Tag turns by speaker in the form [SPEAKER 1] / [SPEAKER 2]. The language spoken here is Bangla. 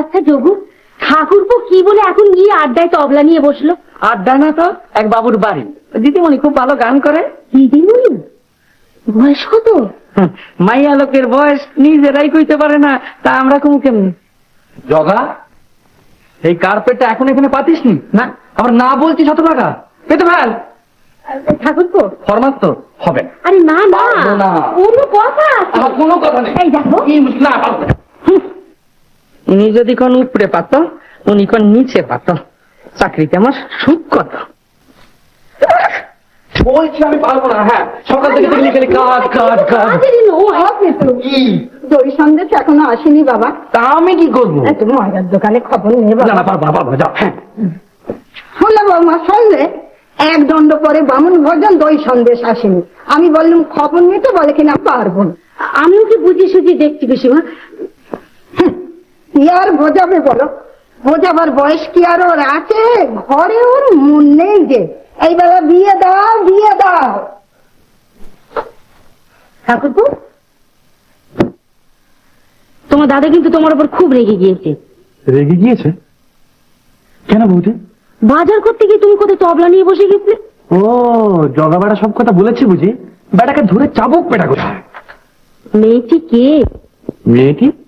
[SPEAKER 1] আচ্ছা যোগু, ঠাকুরপো কি বলে এখন গিয়ে আড্ডায় তবলা নিয়ে বসলো?
[SPEAKER 2] আড্ডা না তো, এক বাবুর বাড়ি। দিদিমণি খুব ভালো গান করে।
[SPEAKER 1] দিদিমণি? বয়স কত?
[SPEAKER 2] মাইয়া লোকের বয়স নিজেরাই কইতে পারে না, তা আমরা কমু কেমন? জগা, এই কার্পেটটা এখন এখানে পাতিস নি না? আবার না বলছি 100 টাকা পেতে ফেল।
[SPEAKER 1] ঠাকুরপো
[SPEAKER 2] ফরমাস তো হবে না।
[SPEAKER 1] আরে না না,
[SPEAKER 2] পারবো না।
[SPEAKER 1] কোনো কথা আছে?
[SPEAKER 2] আমার কোনো কথা নেই।
[SPEAKER 1] এই দেখো,
[SPEAKER 2] কি না পারবো না। উনি যদি কোন উপরে পাত, উনি কোন নিচে পাত, চাকরিতে আমার সুখ কত। বলছি আমি পারবো না। হ্যাঁ, সকাল থেকে দেখলি খালি কাজ কাজ কাজ।
[SPEAKER 1] দই সন্দেশ এখনো আসেনি বাবা।
[SPEAKER 2] তা আমি কি করবো?
[SPEAKER 1] তুমি ময়দার দোকানে খবর নিয়ে
[SPEAKER 2] না না, পারবো না, পারবো না, যাও। হ্যাঁ,
[SPEAKER 1] শুনলে বৌমা, শুনলে? এক দণ্ড পরে বামুন ভোজন দই সন্দেশ আসেনি। আমি বললাম খবর নিতে, বলে কিনা পারবো না। আমিও কি বুঝি সুঝি দেখছি পিসিমা। কি আর বোঝাবে বলো? বোঝাবার বয়স কি আর ওর আছে? ঘরে ওর মন নেই যে এইবেলা বিয়ে দাও বিয়ে দাও। ঠাকুরপো, তোমার দাদা কিন্তু তোমার উপর খুব রেগে গিয়েছে।
[SPEAKER 2] রেগে গিয়েছে কেন বৌদি?
[SPEAKER 1] বাজার করতে গিয়ে তুমি কোথায় তবলা নিয়ে বসে গেছিলে?
[SPEAKER 2] ও, জগা বেড়া সব কথা বলেছি বুঝি? বেটাকে ধরে চাবুক পেটা কোথায়?
[SPEAKER 1] মেয়েটি কে?
[SPEAKER 2] মেয়েটি